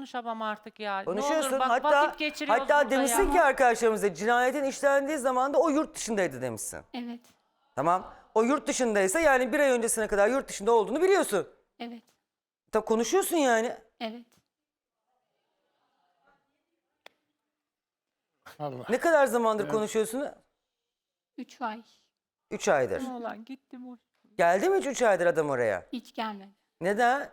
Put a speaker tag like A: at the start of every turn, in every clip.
A: konuşamam artık ya. Ne
B: Konuşuyorsun.
A: olur bak,
B: hatta
A: vakit geçiriyoruz
B: hatta
A: burada
B: demişsin
A: ya.
B: ki arkadaşlarımıza cinayetin işlendiği zaman da o yurt dışındaydı demişsin.
C: Evet.
B: Tamam. O yurt dışındaysa yani bir ay öncesine kadar yurt dışında olduğunu biliyorsun.
C: Evet.
B: Tabii konuşuyorsun yani.
C: Evet.
D: Allah.
B: Ne kadar zamandır konuşuyorsun?
C: 3 ay.
B: 3 aydır.
A: Ne olan gittim o.
B: Geldi mi hiç 3 aydır adam oraya?
C: Hiç gelmedi.
B: Neden?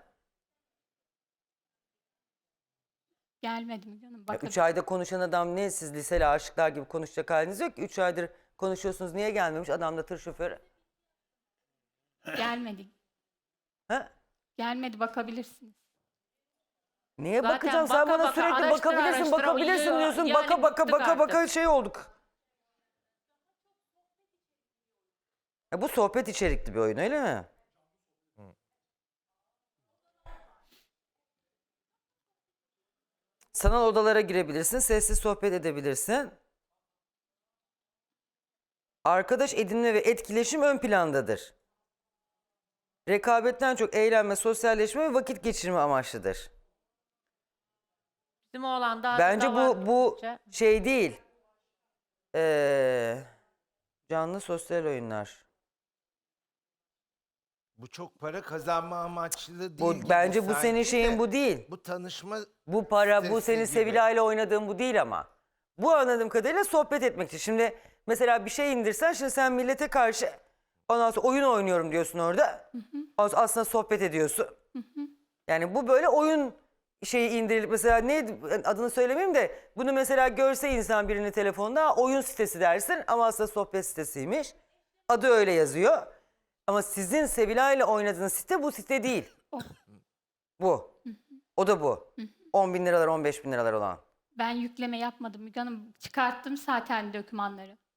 C: Gelmedim canım. Bakın.
B: 3 ayda konuşan adam ne? Siz liseli aşıklar gibi konuşacak haliniz yok ki. 3 aydır konuşuyorsunuz. Niye gelmemiş? Adam da tır şoförü.
C: Gelmedi.
B: Ha?
C: Gelmedi, bakabilirsiniz.
B: Neye
C: Zaten
B: bakacağım? Sen
C: baka
B: bana
C: baka,
B: sürekli
C: araştıra
B: bakabilirsin,
C: araştıra
B: bakabilirsin
C: uyuyor.
B: diyorsun.
C: Yani
B: Baka baka
C: bıktık
B: baka baka
C: artık.
B: şey olduk. Bu sohbet içerikli bir oyun öyle mi? Sanal odalara girebilirsin, sessiz sohbet edebilirsin. Arkadaş edinme ve etkileşim ön plandadır. Rekabetten çok eğlenme, sosyalleşme ve vakit geçirme amaçlıdır.
A: Bizim oğlan daha
B: Bence
A: da var
B: bu
A: gittikçe.
B: şey değil. Canlı sosyal oyunlar.
E: Bu çok para kazanma amaçlı değil.
B: Bu
E: gibi
B: bence bu senin
E: sanki
B: şeyin
E: de.
B: bu değil.
E: Bu tanışma
B: Bu para, bu
E: sitesi
B: senin
E: gibi.
B: Sevilay'la oynadığın bu değil ama. Bu anladığım kadarıyla sohbet etmek için. Şimdi mesela bir şey indirsen, şimdi sen millete karşı ondan sonra oyun oynuyorum diyorsun orada. Aslında sohbet ediyorsun. Yani bu böyle oyun şeyi indirilip mesela ne adını söylemeyeyim de bunu mesela görse insan birini telefonda oyun sitesi dersin ama aslında sohbet sitesiymiş. Adı öyle yazıyor. Ama sizin Sevilay'la oynadığınız site bu site değil.
C: O.
B: Bu. O da bu. 10 bin liralar 15 bin liralar olan.
C: Ben yükleme yapmadım Müge Hanım. Çıkarttım zaten dokümanları.